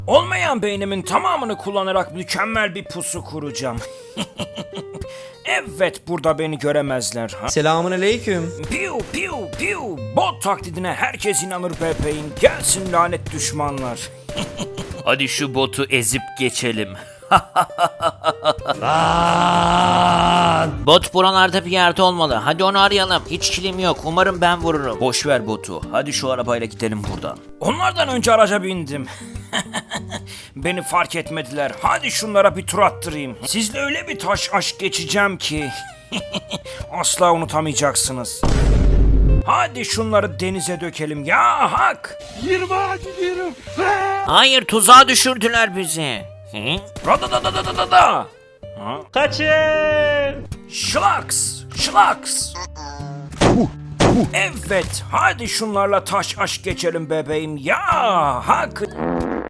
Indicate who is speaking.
Speaker 1: Olmayan beynimin tamamını kullanarak mükemmel bir pusu kuracağım. Evet, burada beni göremezler. Ha?
Speaker 2: Selamun aleyküm.
Speaker 1: Piu piu piu. Bot taklidine herkes inanır bebeğim. Gelsin lanet düşmanlar.
Speaker 3: Hadi şu botu ezip geçelim. Bot buralarda bir yerde olmalı. Hadi onu arayalım. Hiç kilim yok. Umarım ben vururum.
Speaker 1: Boş ver botu. Hadi şu arabayla gidelim buradan. Onlardan önce araca bindim. Beni fark etmediler. Hadi şunlara bir tur attırayım. Sizle öyle bir taş aşk geçeceğim ki asla unutamayacaksınız. Hadi şunları denize dökelim ya hak.
Speaker 3: Hayır, tuzağa düşürdüler bizi. Hı?
Speaker 1: Radadadadadada.
Speaker 2: Kaçın.
Speaker 1: Şlaks. Şlaks. Evet, hadi şunlarla taş aşk geçelim bebeğim ya hak.